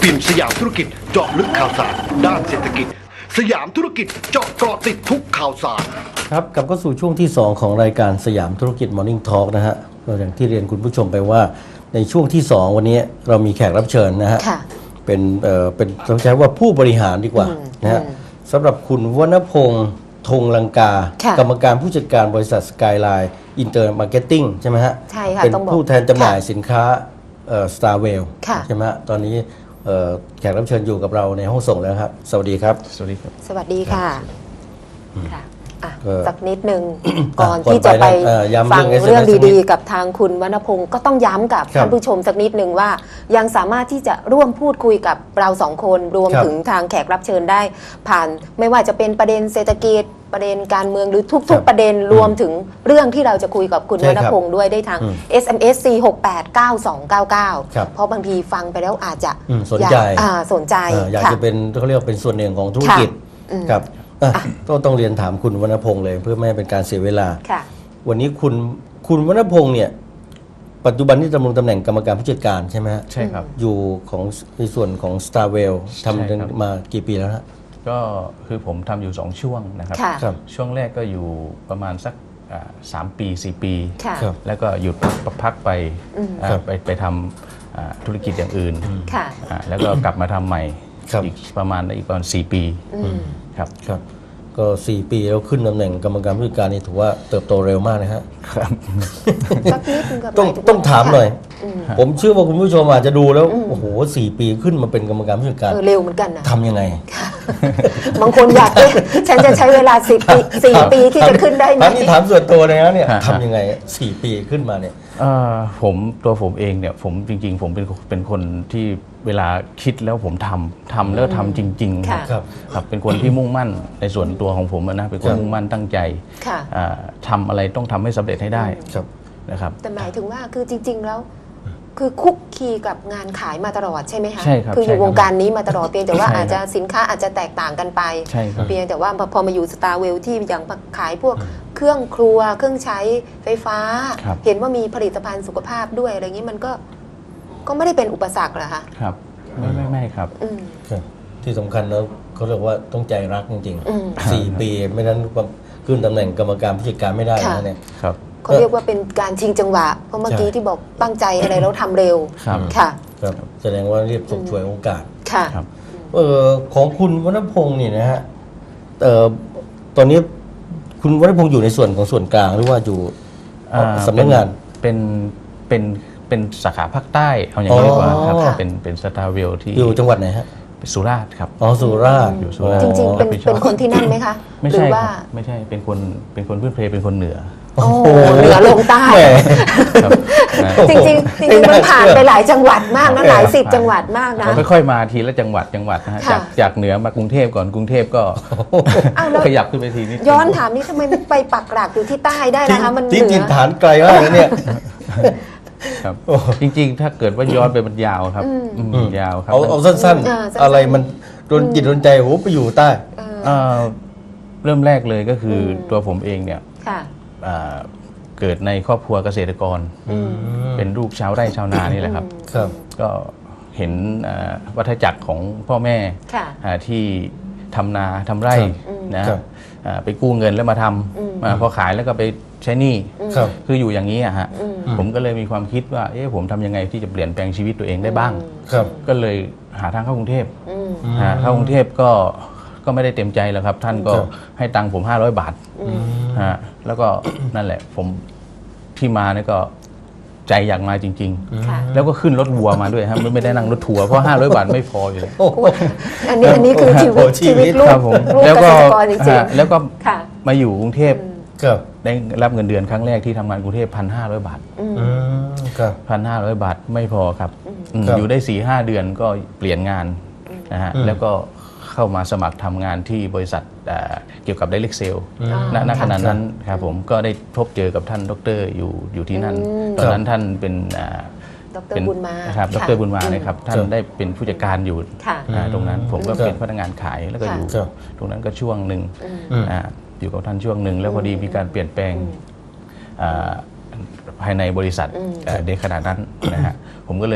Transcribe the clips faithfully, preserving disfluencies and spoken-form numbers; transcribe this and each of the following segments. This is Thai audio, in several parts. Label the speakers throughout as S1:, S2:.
S1: พิมพ์สยามธุรกิจเจาะลึกข่าวสารด้านเศรษฐกิจสยามธุรกิจเจาะเกาะติดทุกข่าวสาร
S2: ครับกลับเข้าสู่ช่วงที่สองของรายการสยามธุรกิจ Morning Talk นะฮะเราอย่างที่เรียนคุณผู้ชมไปว่าในช่วงที่สองวันนี้เรามีแขกรับเชิญนะฮะเป็นเอ่อเป็นต้องใช้ว่าผู้บริหารดีกว่านะฮะสำหรับคุณวรรณพงษ์ธงลังกากรรมการผู้จัดการบริษัทสกายไลน์อินเตอร์มาร์เก็ตติ้งใช่ไหมฮะ
S3: ใช่ค่ะ
S2: เป็นผู้แทนจำหน่ายสินค้าเอ่อสตาร์เวลใช่ไหมฮะตอนนี้เอ่อแขกรับเชิญอยู่กับเราในห้องส่งแล้วครับสวัสดีครับ
S4: สวัสดีครับ
S3: สวัสดีค่ะค่ะสักนิดนึงก่อนที่จะไปฟังเรื่องดีๆกับทางคุณวรรณพงศ์ก็ต้องย้ำกับท่านผู้ชมสักนิดนึงว่ายังสามารถที่จะร่วมพูดคุยกับเราสองคนรวมถึงทางแขกรับเชิญได้ผ่านไม่ว่าจะเป็นประเด็นเศรษฐกิจประเด็นการเมืองหรือทุกๆประเด็นรวมถึงเรื่องที่เราจะคุยกับคุณวรรณพงศ์ด้วยได้ทาง เอส เอ็ม เอส สี่ หก แปด เก้า สอง เก้า เก้า เพราะบางทีฟังไปแล้วอาจจะ
S2: สนใจ
S3: สนใจ
S2: อยากจะเป็นเขาเรียกเป็นส่วนหนึ่งของธุรกิจครับต้องต้องเรียนถามคุณวรรณพงษ์เลยเพื่อไม่ให้เป็นการเสียเวลาวันนี้คุณคุณวรรณพงษ์เนี่ยปัจจุบันที่ดำรงตำแหน่งกรรมการผู้จัดการใช่ไหมฮะ
S4: ใช่ครับ
S2: อยู่ของในส่วนของ Starwell ทำมากี่ปีแล้วฮะ
S4: ก็คือผมทำอยู่สองช่วงนะครับช่วงแรกก็อยู่ประมาณสักสามปีสี่ปีแล้วก็หยุดพักไปไปไปทำธุรกิจอย่างอื่นแล้วก็กลับมาทำใหม่อีกประมาณอีกประมาณสี่ปีครับ
S2: ครับก็สี่ปีแล้วขึ้นตำแหน่งกรรมการผู้จัดการนี่ถือว่าเติบโตเร็วมากนะฮะ
S4: ครับ
S2: ต้องต้องถามหน่อยผมเชื่อว่าคุณผู้ชมอาจจะดูแล้วโอ้โหสี่ปีขึ้นมาเป็นกรรมการผู้จัดการ
S3: เร็วเหมือนกันนะ
S2: ทำยังไง
S3: บางคนอยากเอ๊ะฉันจะใช้เวลาสี่ปีสี่ปีที่จะขึ้นได้ไหม
S2: อันนี้ถามส่วนตัวเลยนะเนี่ยทำยังไงสี่ปีขึ้นมาเนี่ย
S4: ผมตัวผมเองเนี่ยผมจริงๆผมเป็นเป็นคนที่เวลาคิดแล้วผมทำทำแล้วทำจริงๆครับครับเป็นคนที่มุ่งมั่นในส่วนตัวของผมนะเป็นคนมุ่งมั่นตั้งใจทำอะไรต้องทำให้สำเร็จให้ได้นะครับ
S3: แต่หมายถึงว่าคือจริงๆแล้วคือคุกคีกับงานขายมาตลอดใช่ไหมคะ
S4: ใช่ครับ
S3: คืออยู่วงการนี้มาตลอดเพียงแต่ว่าอาจจะสินค้าอาจจะแตกต่างกันไปเพียงแต่ว่าพอมาอยู่สตาร์เวลที่อย่างขายพวกเครื่องครัวเครื่องใช้ไฟฟ้าเห็นว่ามีผลิตภัณฑ์สุขภาพด้วยอะไรอย่างนี้มันก็ก็ไม่ได้เป็นอุปสรรคเหรอคะ
S4: ครับไม่ไม่ไม่ครับ
S2: ที่สำคัญแล้วเขาเรียกว่าต้องใจรักจริงๆสี่ปีไม่นั้นขึ้นตำแหน่งกรรมการผู้จัดการไม่ได้นะเนี่ย
S4: ครับ
S3: เขาเรียกว่าเป็นการชิงจังหวะเพราะเมื่อกี้ที่บอกตั้งใจอะไรแล้วทำเร็วค่ะ
S2: ครับแสดงว่าเรียบฉกฉวยโอกาส
S3: ค่ะ
S2: เออของคุณวรรณพงษ์นี่นะฮะเอ่อตอนนี้คุณวรรณพงษ์อยู่ในส่วนของส่วนกลางหรือว่าอยู่สำนักงาน
S4: เป็นเป็นเป็นสาขาภาคใต้เอาอย่างนี้ดีกว่าครับเป็นเป็นสตาร์เวลที่
S2: อยู่จังหวัดไหนฮะ
S4: สุราษฎร์ครับ
S2: อ๋อสุราษฎร์
S4: อยู่สุราษฎร์
S3: จริงๆเป็นเป็นคนที่นั่นไหมคะ
S4: ไม่ใช่ไม่ใช่เป็นคนเป็นคนพื้นเพเป็นคนเหนือ
S3: โอ้เหนือลงใต้จริงจริงจริงมันผ่านไปหลายจังหวัดมากนะหลายสิบจังหวัดมากนะ
S4: ค่อยๆมาทีละจังหวัดจังหวัดนะฮะจากจากเหนือมากรุงเทพก่อนกรุงเทพก็ขยับขึ้นไปทีนี้
S3: ย้อนถามนี่ทำไมไปปักหลักอยู่ที่ใต้ได้นะคะมันเหนื
S2: อจริงๆฐานไกลมากนะเนี่ย
S4: ครับจริงๆถ้าเกิดว่าย้อนไปมันยาวครับยาวครับ
S2: เอาเอาสั้นๆอะไรมันโดนจิตโดนใจโอ้ไปอยู่ใต้
S4: เริ่มแรกเลยก็คือตัวผมเองเนี่ยเกิดในครอบครัวเกษตรกรเป็นลูกชาวไร่ชาวนานี่แหละครับก็เห็นวัฏจักรของพ่อแม่ที่ทำนาทำไร่นะไปกู้เงินแล้วมาทำพอขายแล้วก็ไปใช้หนี้คืออยู่อย่างนี้อะฮะผมก็เลยมีความคิดว่าเอ๊ะผมทำยังไงที่จะเปลี่ยนแปลงชีวิตตัวเองได้บ้างก็เลยหาทางเข้ากรุงเทพเข้ากรุงเทพก็ก็ไม่ได้เต็มใจแล้วครับท่านก็ให้ตังค์ผมห้าร้อยบาทฮะแล้วก็นั่นแหละผมที่มาเนี่ยก็ใจอยากมาจริงๆแล้วก็ขึ้นรถวัวมาด้วยครับไม่ได้นั่งรถทัวร์เพราะห้าร้อยบาทไม่พออยู่เลย
S3: อันนี้อันนี้คือชีวิตชีวิตลูก
S4: แล้วก็แล้วก็มาอยู่กรุงเทพได้รับเงินเดือนครั้งแรกที่ทำงานกรุงเทพพันห้าร้อยบาทพันห้าร้อยบาทไม่พอครับอยู่ได้สี่ห้าเดือนก็เปลี่ยนงานนะฮะแล้วก็เข้ามาสมัครทำงานที่บริษัทเกี่ยวกับ Direct Sale ณขณะนั้นครับผมก็ได้พบเจอกับท่านดร.อยู่อยู่ที่นั่นตอนนั้นท่านเป็น
S3: ดร.บุญมา
S4: ครับดร.บุญมานะครับท่านได้เป็นผู้จัดการอยู่ตรงนั้นผมก็เป็นพนักงานขายแล้วก็อยู่ตรงนั้นก็ช่วงหนึ่งอยู่กับท่านช่วงหนึ่งแล้วพอดีมีการเปลี่ยนแปลงภายในบริษัทในขณะนั้นนะฮะผมก็เลย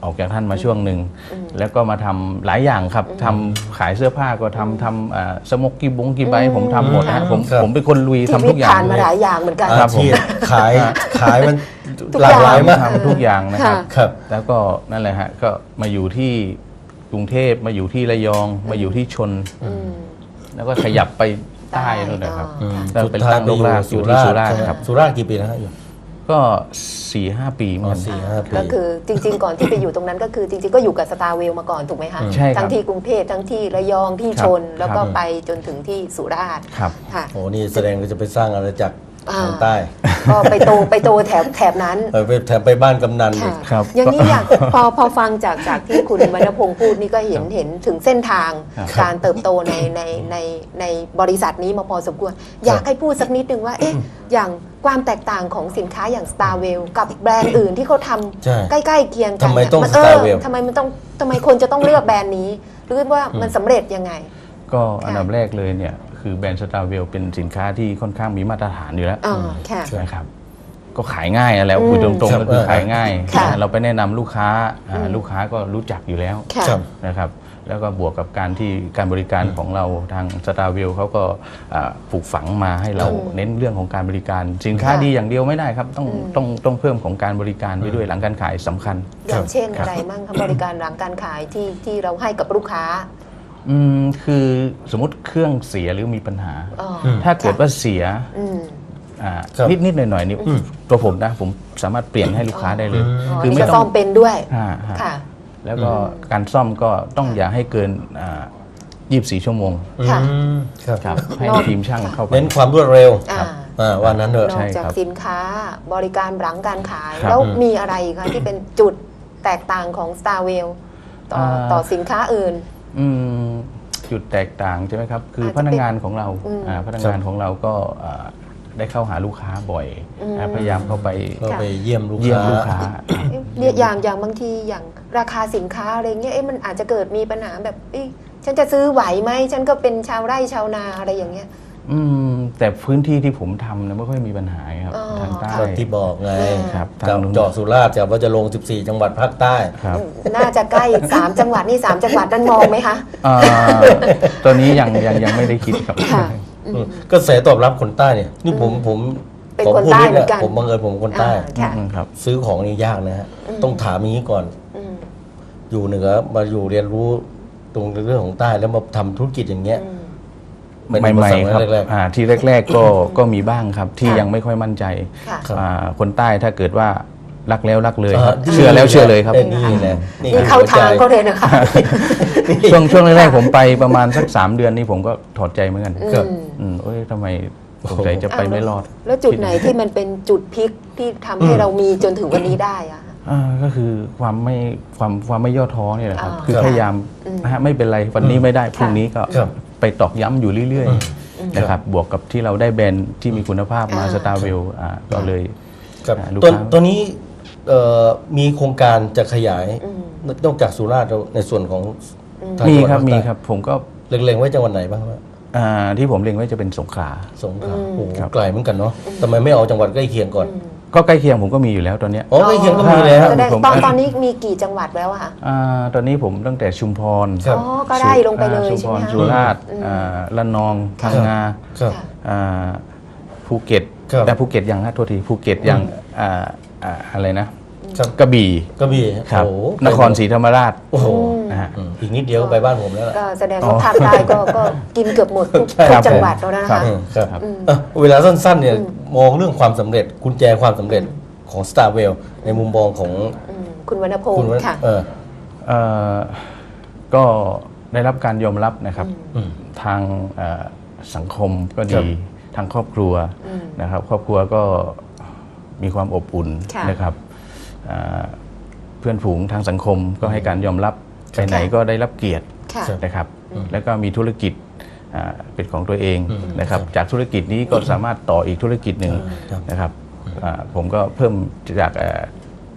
S4: ออกจากท่านมาช่วงหนึ่งแล้วก็มาทำหลายอย่างครับทำขายเสื้อผ้าก็ทำทำอ่าสมกกีบงกีใบผมทำหมดนะผมผมเป็นคนลุยทำทุกอย่าง
S3: ผ่านมาหลายอย่างเหมือนกัน
S2: อาชีพขายขายมัน
S3: ทุก
S2: หลากหลายมาก
S4: ทำทุกอย่างนะครับ
S2: ครับ
S4: แล้วก็นั่นแหละฮะก็มาอยู่ที่กรุงเทพมาอยู่ที่ระยองมาอยู่ที่ชน แล้วก็ขยับไปใต้นู่นนะครับ
S3: อืม
S4: แล้วเป็นตั้งโรงแรมอยู่ที่สุราษฎร์ครับ
S2: สุราษฎร์กี่ปีนะฮะอยู่
S4: ก็สี่ห้าปีเหมือนกัน
S2: สี่ห้าปี
S3: ก็คือจริง ๆ ก่อนที่ไปอยู่ตรงนั้นก็คือจริงๆก็อยู่กับสตาร์เวลมาก่อนถูกไหมคะ
S4: ใช่ครับ
S3: ทั้งที่กรุงเทพทั้งที่ระยองที่
S4: ครับ
S3: ชน แล้วก็
S4: ครับ
S3: ไปจนถึงที่สุราษฎร์
S4: ครับ
S3: ค่ะ
S2: โอ้นี่แสดงว่าจะไปสร้างอาณาจักร
S3: อ่า
S2: ทางใต้
S3: ก็ไปโตไปโตแถบแถบนั้น
S2: เออไปแถมไปบ้านกำนันอี
S3: ค่ะ
S2: ก
S4: ครับ
S3: อย่างนี้อยากพอพอฟังจากจากที่คุณวรรณพงศ์พูดนี่ก็เห็นเห็นถึงเส้นทาง
S4: ครับ
S3: การเติบโตในในในในบริษัทนี้มาพอสมควร อยากให้พูดสักนิดนึงว่าเอ๊ะอย่างความแตกต่างของสินค้าอย่าง Starwell กับแบรนด์อื่นที่เขาท
S2: ใช่
S3: ำใกล้ๆเคียงกัน
S2: ทำไมต้อง
S3: น
S2: Starwell
S3: ทำไมมันต้องทำไมคนจะต้องเลือกแบรนด์นี้ หรือว่ามันสำเร็จยังไง
S4: ก็อันดับแรกเลยเนี่ยคือแบรนด์สตาร์เวลเป็นสินค้าที่ค่อนข้างมีมาตรฐานอยู่แล้ว
S3: อ๋อค่ะ
S4: นะครับก็ขายง่ายอะแล้วคุยตรงๆก็คือขายง่าย
S3: ค่ะ
S4: เราไปแนะนำลูกค้าอ่าลูกค้าก็รู้จักอยู่แล้ว
S3: ค่ะ
S2: ครับ
S4: นะครับแล้วก็บวกกับการที่การบริการของเราทางสตาร์เวลเขาก็อ่าปลูกฝังมาให้เราเน้นเรื่องของการบริการ สินค้า
S3: ค่ะ
S4: ดีอย่างเดียวไม่ได้ครับต้องต้องต้องเพิ่มของการบริการไปด้วยหลังการขายสำคัญ
S3: อย่างเช่น
S4: ครับ
S3: อะไรมั่งคะบริการหลังการขายที่ที่เราให้กับลูกค้า
S4: อืมคือสมมติเครื่องเสียหรือมีปัญหา
S3: อ๋อ
S4: ถ้าเกิดว่าเสีย
S3: อืม
S4: อ่า
S2: ครับ
S4: นิดนิดๆหน่อยหน่อยๆนี่ตัวผมนะผมสามารถเปลี่ยนให้ลูกค้าได้เลย
S3: อ๋อ
S4: คือ
S3: นี่
S4: ไม่
S3: ก็
S4: ต้
S3: ซ่
S4: อ
S3: อง มเป็นด้วย
S4: อ่าฮะ
S3: ค่ะ
S4: แล้วก็การซ่อมก็ต้องอย่าให้เกินยี่สิบสี่ชั่วโมง
S3: ค่ะ
S2: อืมครับ
S4: ครับให้
S3: นอก
S4: ทีมช่างเข้าไป
S2: เน้นความรวดเร็ว
S3: อ่า
S2: อ่าว่านั้นเถอะ
S3: น
S4: ใช่
S3: อก
S4: ครับ
S3: จากสินค้าบริการหลังการขาย
S4: ครับ
S3: แล้วมีอะไรอีกคะที่เป็นจุดแตกต่างของ Starwell ต่อ
S4: อ่า
S3: ต่อสินค้าอื่น
S4: อืมจุดแตกต่างใช่ไหมครับ คือ
S3: อาจจะ
S4: พนักงานของเรา
S3: อืม
S4: อ่าพนักงานของเราก็อ่าได้เข้าหาลูกค้าบ่อย
S3: อืม
S4: อ่าพยายามเข้าไป
S2: ก็ไปเยี่ยมลูก
S4: เยี่ยม
S2: ค้า
S4: ลูกค้า
S3: เอ๊ะเนี่ยอย่างอย่างบางทีอย่างราคาสินค้าอะไรเงี้ยเอ๊ะมันอาจจะเกิดมีปัญหาแบบเอ๊ะฉันจะซื้อไหวไหมฉันก็เป็นชาวไร่ชาวนาอะไรอย่างเงี้ย
S4: อืมแต่พื้นที่ที่ผมทำเนี่ยไม่ค่อยมีปัญหาครับ
S3: อ๋อ
S4: ทางใต้
S2: ก็ที่บอกไง
S4: ครับ
S2: กับ
S4: ทางนู้น
S2: เจาะสุราษฎร์จะว่าจะลง สิบสี่ จังหวัดภาคใต้
S4: ครับ
S3: น่าจะใกล้ สามจังหวัดนี่สามจังหวัดนั้นมองไหมคะ
S4: อ่าตอนนี้ยังยังยังไม่ได้คิดครับ
S3: ค่ะ
S2: อืมก็แสตอบรับคนใต้เนี่ยนี่ผมผม
S3: เป็น
S2: ผม
S3: คน
S2: พูด
S3: ใต้
S2: นิด
S3: เหมื
S2: นะ
S3: อนกัน
S2: ผมบังเอิญผมคนใต้
S3: อ่าค่ะ
S4: อืมครับ
S2: ซื้อของนี่ยากนะฮะ
S3: อืม
S2: ต้องถามอย่างนี้ก่อน
S3: อืม
S2: อยู่เหนือมาอยู่เรียนรู้ตรงเรื่องของใต้แล้วมาทำธุรกิจอย่างเงี้ย
S3: อืม
S2: เป็น
S4: ให
S2: อุป
S4: ม่
S2: สรรค
S4: ๆครับ
S2: แรก
S4: อ่าที่แรก ๆ ก็ก็มีบ้างครับที่
S3: ค่ะ
S4: ยังไม่ค่อยมั่นใจ
S3: ค่ะ
S2: ครับ
S4: อ่าคนใต้ถ้าเกิดว่ารักแล้วรักเลย
S2: ๆ
S4: ครับ
S2: ดี
S4: เชื่อแล้วเชื่อเลยครับ
S2: นี่แหละนี่
S3: นี่
S2: คือ
S3: เข้า
S2: หัวใจ
S3: ทางเขาเลยนะคะ
S4: ช่วงช่วงแรกๆผมไปประมาณสักสามเดือนนี่ผมก็ถอดใจเหมือนกัน
S2: ครับ
S3: อืม
S4: อืมเอ้ยทำไมสงสัยจะไปไม่รอด
S3: แล้วจุดไหนที่มันเป็นจุดพลิกที่ทำให้เรามีจนถึงวันนี้ได้อะ
S4: อ่าก็คือความไม่ความความไม่ย่อท้อเนี่ยแหละครับ
S3: อ่า
S4: คือ
S3: ครับ
S4: พยายาม
S3: อืม
S4: นะฮะไม่เป็นไรวันนี้ไม่ได้พรุ่งนี้ก็
S2: ครับ
S4: ไปตอกย้ำอยู่เรื่อยๆนะครับบวกกับที่เราได้แบรนด์ที่มีคุณภาพมา
S3: อ่า
S4: สตาร์เวลก็เลย
S2: ครับ
S4: อ่าลูก
S2: ตัว
S4: ค้า
S2: ตัวนี้เอ่อมีโครงการจะขยาย
S3: อืม
S2: นอกจากสุราษฎร์แล้วในส่วนของทาง
S4: มี
S2: จังหวัด
S4: ครับ
S2: ภาค
S4: มี
S2: ใต้
S4: ครับผมก็
S2: เล็งๆไว้จังหวัดไหนบ้างครับ
S4: อ่าที่ผมเล็งไว้จะเป็นสงขลา
S2: สงขลา
S3: อืม
S2: โอ้โห
S4: ครับ
S2: ไกลเหมือนกันเนาะทำไมไม่เอาจังหวัดใกล้เคียงก่อน
S4: ก็ใกล้เคียงผมก็มีอยู่แล้วตอนเนี้ย
S2: อ๋อใกล้เคียงก็มีแล้ว
S3: แสดง
S4: ผม
S3: ตอนตอนนี้มีกี่จังหวัดแล้วอะคะ
S4: อ่าตอนนี้ผมตั้งแต่ชุมพร
S2: ครับ
S3: อ๋อ ก็ได้ลงไปเลย
S4: อ่าชุม
S3: ใช่
S4: พ
S3: ไหม
S4: ร
S3: คะ
S4: สุราษฎร์
S3: อืม
S4: อ่าระนองพังงา
S2: ครับ
S3: ค่ะ
S4: อ่าภูเก็ต
S2: ครับ
S4: แต่ภูเก็ตยังฮะโทษทีภูเก็ตยังอ่าอ่าอะไรนะ
S2: ครับ
S4: กระบี่
S2: กระบี่
S4: ครับ
S2: โอ้โห
S4: นครศรีธรรมราช
S2: โอ้โห
S4: นะฮะ
S2: อืมอีกนิดเดียวก็ไปบ้านผมแล้วล่ะ
S3: ก็แสดงว่าภาคใต้ก็ก็กินเกือบหมดทุก
S2: ใช่
S3: ทุ
S2: ครั
S3: ก
S2: บ
S3: จังหวัดแล้วนะ
S4: ครั
S3: คะ
S4: บ
S2: อืมครับ
S4: ครับ
S2: เอ่อเวลาสั้นๆเนี่ยมองเรื่องความสำเร็จกุญแจความสำเร็จของ Starwell ในมุมมองของ
S3: อืมคุณวรรณพง
S2: คุณ
S3: ศ์
S2: ว่า
S3: ค่ะ
S2: เออ
S4: เอ่อก็ได้รับการยอมรับนะครับ
S2: อืม
S4: ทางเอ่อสังคมก็
S2: ครั
S4: ดี
S2: บ
S4: ทางครอบครัว
S3: อืม
S4: นะครับ ครอบครัวก็มีความอบอุ่น
S3: ค่ะ
S4: นะครับอ่าเพื่อนฝูงทางสังคมก็ให้การยอมรับไปไหนก็ได้รับเกียรติ
S3: ค่ะ
S4: นะครับ แล้วก็มีธุรกิจอ่าเป็นของตัวเอง
S2: อืม
S4: นะครับ จากธุรกิจนี้ก็สามารถต่ออีกธุรกิจหนึ่ง
S2: ครับ
S4: นะครับอ่าผมก็เพิ่มจากเอ่อ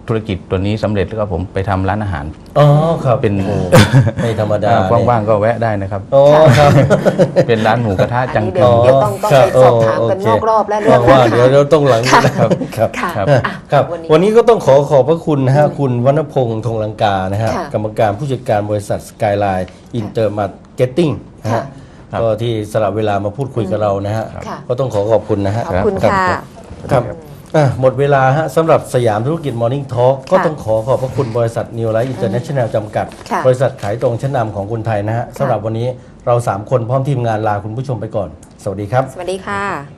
S4: ธุรกิจตัวนี้สำเร็จแล้วก็ผมไปทำร้านอาหาร
S2: อ๋อครับ
S4: เป็น
S2: โอ้ไม่ธรรมดา
S4: ว่างๆก็แวะได้นะครับ
S2: อ๋อครับ
S4: เป็นร้านหมูกระทะ
S3: อัน
S4: จัง
S3: นี้
S4: เกิ
S3: เดี๋ยว
S4: ล
S3: เดี๋ยวต้องต้องไปสอบถามกันนอกรอบและเรื่อง
S2: ว่า
S3: อาหาร
S2: เดี๋ยวเราต้องหลัง
S3: ค่ะ
S2: นะครับครับ
S3: ค่ะ
S4: ครับ
S3: อ่ะ
S2: ครับ
S3: วันนี้
S2: วันนี้ก็ต้องขอขอบพระคุณนะฮะคุณวรรณพงษ์ธงลังกานะฮะ
S3: ค่ะ
S2: กรรมการผู้จัดการบริษัทสกายไลน์อินเตอร์มาร์เก็ตติ้งนะ
S3: ค่ะ
S2: ฮะก็ที่สละเวลามาพูดคุยกับเรานะฮะ
S3: ค่ะ
S2: ก็ต้องขอขอบคุณนะฮะ
S3: ขอบคุณ
S2: รับ
S3: ค่ะ
S2: ครับอ่ะหมดเวลาฮะสำหรับสยามธุรกิจ Morning Talk ก็
S3: ค่ะ
S2: ต้องขอขอบพระคุณบริษัท New Life International จำกัด
S3: ค่ะ
S2: บริษัทขายตรงชั้นนำของคนไทยนะฮะสำหรับวันนี้เราสามคนพร้อมทีมงานลาคุณผู้ชมไปก่อน สวัสดีครับ
S3: สวัสดีค่ะ